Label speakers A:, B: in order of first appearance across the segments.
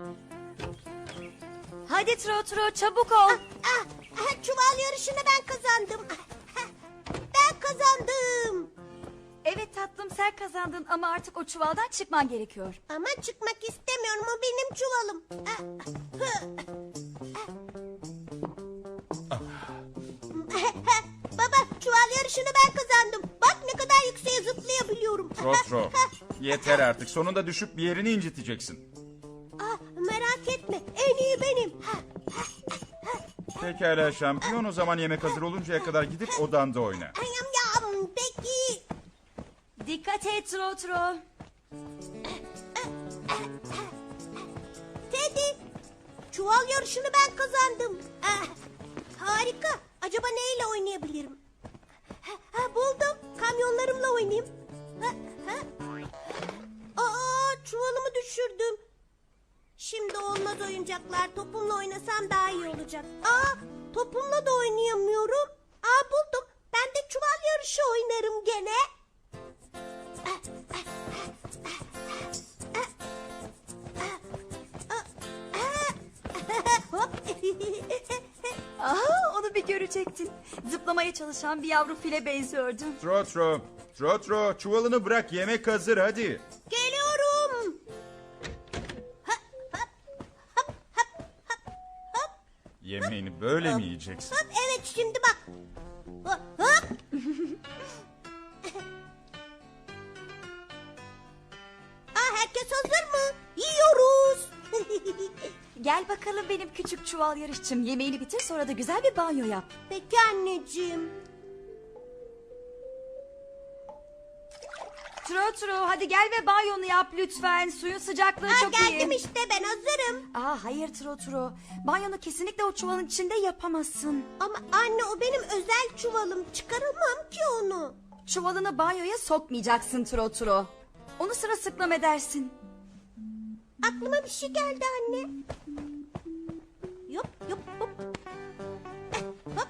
A: Hadi Trotro, çabuk ol.
B: Çuval yarışını ben kazandım. Ben kazandım.
A: Evet tatlım, sen kazandın ama artık o çuvaldan çıkman gerekiyor.
B: Ama çıkmak istemiyorum, o benim çuvalım. Baba, çuval yarışını ben kazandım. Bak ne kadar yükseğe zıplayabiliyorum.
C: Trotro, yeter artık. Sonunda düşüp bir yerini inciteceksin.
B: Merak etme, en iyi benim.
C: Pekala şampiyon, o zaman yemek hazır oluncaya kadar gidip odanda oyna.
B: Peki.
A: Dikkat et Trotro.
B: Teddy, çuval yarışını ben kazandım. Harika. Acaba neyle oynayabilirim? Buldum. Kamyonlarımla oynayayım. Çuvalımı düşürdüm. Şimdi olmaz oyuncaklar. Topumla oynasam daha iyi olacak. Topumla da oynayamıyorum. Buldum. Ben de çuval yarışı oynarım gene. Hop.
A: Aha, onu bir görecektin. Zıplamaya çalışan bir yavru file benziyordu.
C: Trotro, çuvalını bırak, yemek hazır hadi.
B: Geliyorum.
C: Yemeğini böyle mi yiyeceksin?
B: Evet, şimdi bak. Hop. Herkes hazır mı? Yiyoruz.
A: Gel bakalım benim küçük çuval yarışçım. Yemeğini bitir, sonra da güzel bir banyo yap.
B: Peki anneciğim.
A: Trotro, hadi gel ve banyonu yap lütfen. Suyun sıcaklığı çok iyi.
B: Geldim işte, ben hazırım.
A: Hayır Trotro. Banyonu kesinlikle o çuvalın içinde yapamazsın.
B: Ama anne, o benim özel çuvalım. Çıkaramam ki onu.
A: Çuvalını banyoya sokmayacaksın Trotro. Onu sırılsıklam edersin.
B: Aklıma bir şey geldi anne. Yop yop hop. Hop.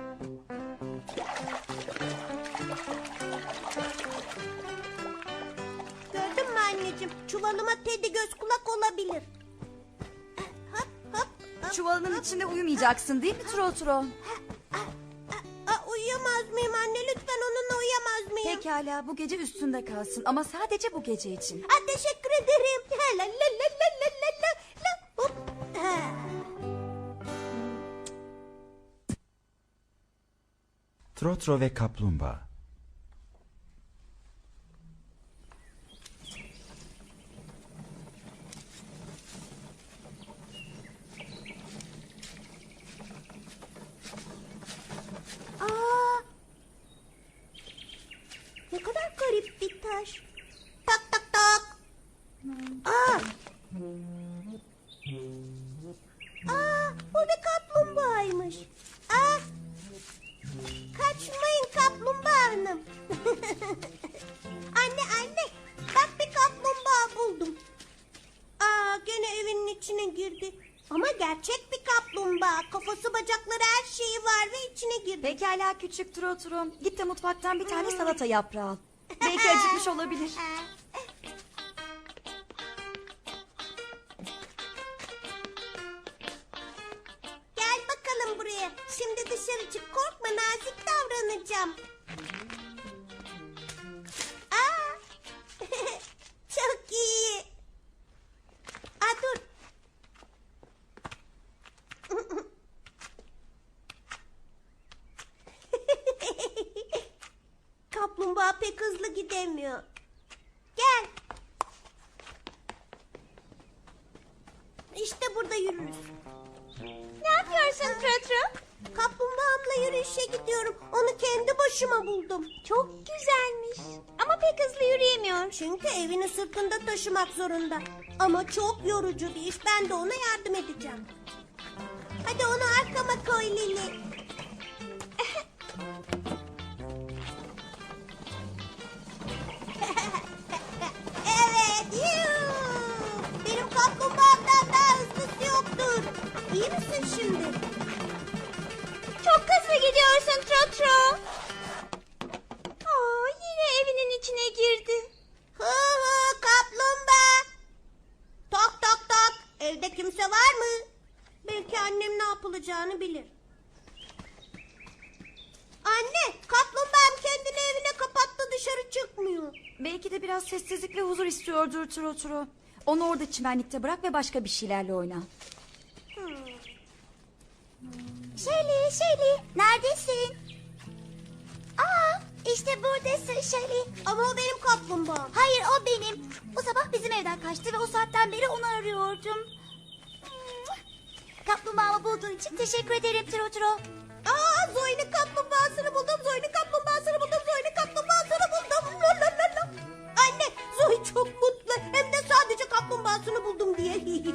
B: Gördün mü anneciğim? Çuvalıma Teddy göz kulak olabilir. Hop hop.
A: Çuvalının içinde uyumayacaksın değil mi Trotro?
B: Uyuyamaz mıyım anne? Lütfen onunla uyuyamaz mıyım?
A: Pekala, bu gece üstünde kalsın ama sadece bu gece için.
B: Teşekkür ederim. La la la la la la la la. Hop.
C: Trotro ve kaplumbağa.
B: Ne kadar garip bir taş. Tak tak tak. Bu bir kaplumbağaymış. Kaçmayın kaplumbağa hanım. Anne, bak bir kaplumbağa buldum. Gene evinin içine girdi. Ama gerçek bir kaplumbağa. Kafası, bacakları, her şeyi var ve içine girdi.
A: Pekala küçük Trotro. Git de mutfaktan bir tane salata yaprağı al. Belki acıkmış olabilir.
B: Gel bakalım buraya. Şimdi dışarı çık. Korkma, nazik davranacağım. Çok iyi. Dur. Kaplumbağa pek hızlı gidemiyor. Gel. İşte burada yürürüz. Ne yapıyorsun Trotro? Kaplumbağamla yürüyüşe gidiyorum. Onu kendi başıma buldum. Çok güzelmiş. Ama pek hızlı yürüyemiyor. Çünkü evini sırtında taşımak zorunda. Ama çok yorucu bir iş. Ben de ona yardım edeceğim. Hadi onu arkama koy Lili. Evet. Benim kaplumbağamdan daha hızlısı yoktur. İyi misin şimdi? Çok hızlı gidiyorsun Trotro. Yine evinin içine girdi. Kaplumbağa. Tak tak tak. Evde Evde kimse var mı? Belki annem ne yapılacağını bilir. Anne, kaplumbağam kendini evine kapattı, dışarı çıkmıyor.
A: Belki de biraz sessizlik ve huzur istiyordur Trotro. Onu orada çimenlikte bırak ve başka bir şeylerle oyna.
B: Shelly, neredesin? Aa, işte buradasın Shelly. Ama o benim kaplumbağam. Hayır, o benim. Bu sabah bizim evden kaçtı ve o saatten beri onu arıyordum. Kaplumbağamı bulduğun için teşekkür ederim Trotro. Aa, Zoe'nin kaplumbağasını buldum. Zoe'nin kaplumbağasını buldum. Zoe'nin kaplumbağasını buldum. Lalalala. Anne, Zoe çok mutlu. Hem de sadece kaplumbağasını buldum diye.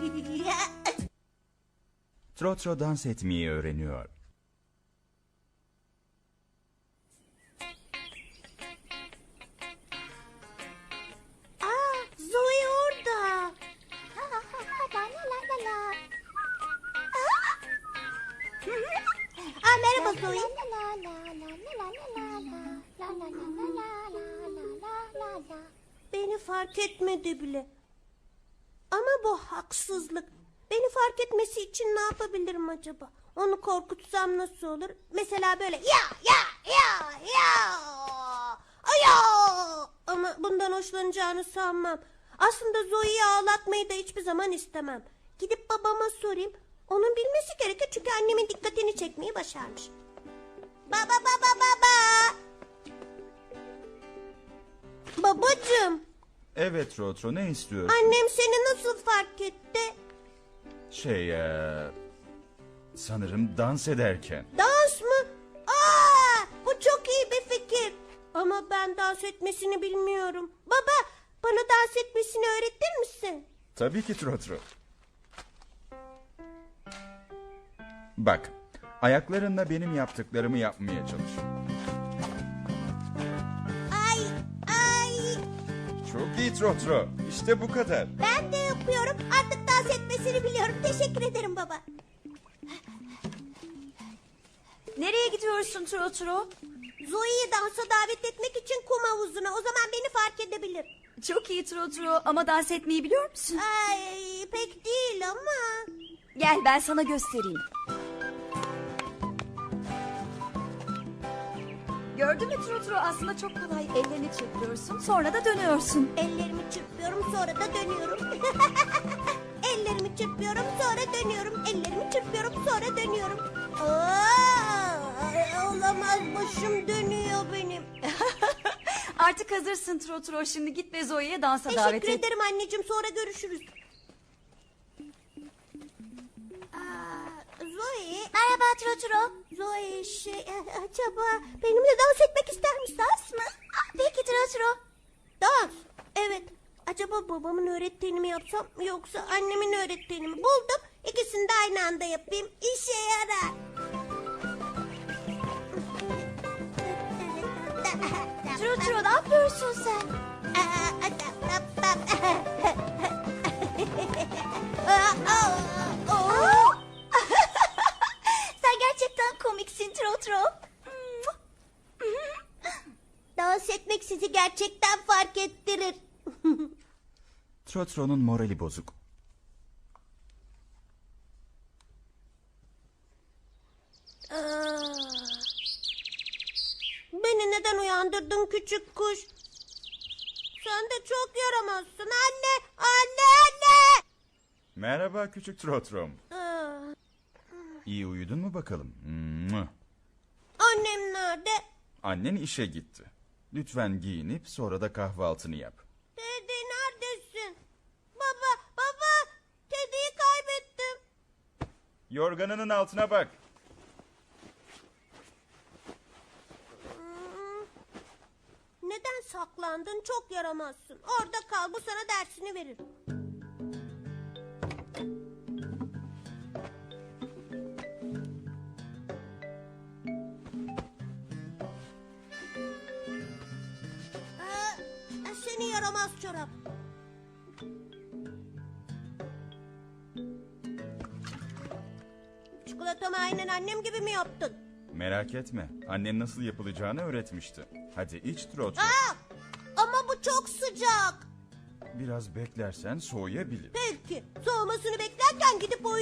C: Trotro dans etmeyi öğreniyor.
B: Aa, Zoe orada. Aa, merhaba Zoe. Beni fark etmedi bile. Ama bu haksızlık. Beni fark etmesi için ne yapabilirim acaba? Onu korkutsam nasıl olur? Mesela böyle ya. Ama bundan hoşlanacağını sanmam. Aslında Zoe'yi ağlatmayı da hiçbir zaman istemem. Gidip babama sorayım. Onun bilmesi gerekir çünkü annemin dikkatini çekmeyi başarmış. Baba. Babacığım,
C: Evet Trotro, ne istiyorsun?
B: annem seni nasıl fark etti?
C: Sanırım dans ederken.
B: Dans mı? Aa, bu çok iyi bir fikir. Ama ben dans etmesini bilmiyorum. Baba, bana dans etmesini öğretir misin?
C: Tabii ki Trotro. Bak, ayaklarınla benim yaptıklarımı yapmaya çalış.
B: Ay.
C: Çok iyi Trotro, işte bu kadar.
B: Ben de yapıyorum. Artık dans etmesini biliyorum. Teşekkür ederim baba.
A: Nereye gidiyorsun Trotro?
B: Zoe'yi dansa davet etmek için kum havuzuna. O zaman beni fark edebilir.
A: Çok iyi Trotro ama dans etmeyi biliyor musun?
B: Ay, pek değil ama.
A: Gel ben sana göstereyim. Gördün mü Trotro, aslında çok kolay. Ellerini çırpıyorsun, sonra da dönüyorsun.
B: Ellerimi çırpıyorum, sonra da dönüyorum. Ellerimi çırpıyorum, sonra dönüyorum. Ellerimi çırpıyorum, sonra dönüyorum. Olamaz, başım dönüyor benim.
A: Artık hazırsın Trotro, şimdi git ve Zoe'ye dansa davet
B: Teşekkür
A: et.
B: ederim anneciğim, sonra görüşürüz. Zoe. Merhaba Trotro. Zoe acaba benimle dans etmek ister misin? Dans mı? Peki Trotro. Dans. Evet. Acaba babamın öğrettiğini mi yapsam yoksa annemin öğrettiğini mi? Buldum. İkisini de aynı anda yapayım. İşe yarar.
A: Trotro, ne yapıyorsun sen?
B: Sen gerçekten komiksin Trotro. Dans etmek sizi gerçekten fark ettirir.
C: Trotro'nun morali bozuk.
B: Beni neden uyandırdın küçük kuş? Sen de çok yaramazsın anne. Anne.
C: Merhaba küçük Trotro'm. İyi uyudun mu bakalım?
B: Annem nerede?
C: Annen işe gitti. Lütfen giyinip sonra da kahvaltını yap.
B: Teddy neredesin? Baba. Teddy'yi kaybettim.
C: Yorganının altına bak.
B: Neden saklandın? Çok yaramazsın. Orada kal, bu sana dersini verir. Seni yaramaz çorap. Çikolatamı aynen annem gibi mi yaptın?
C: Merak etme. Annen nasıl yapılacağını öğretmişti. Hadi iç Trotro.
B: Ama bu çok sıcak.
C: Biraz beklersen soğuyabilir.
B: Peki. Soğumasını beklerken gidip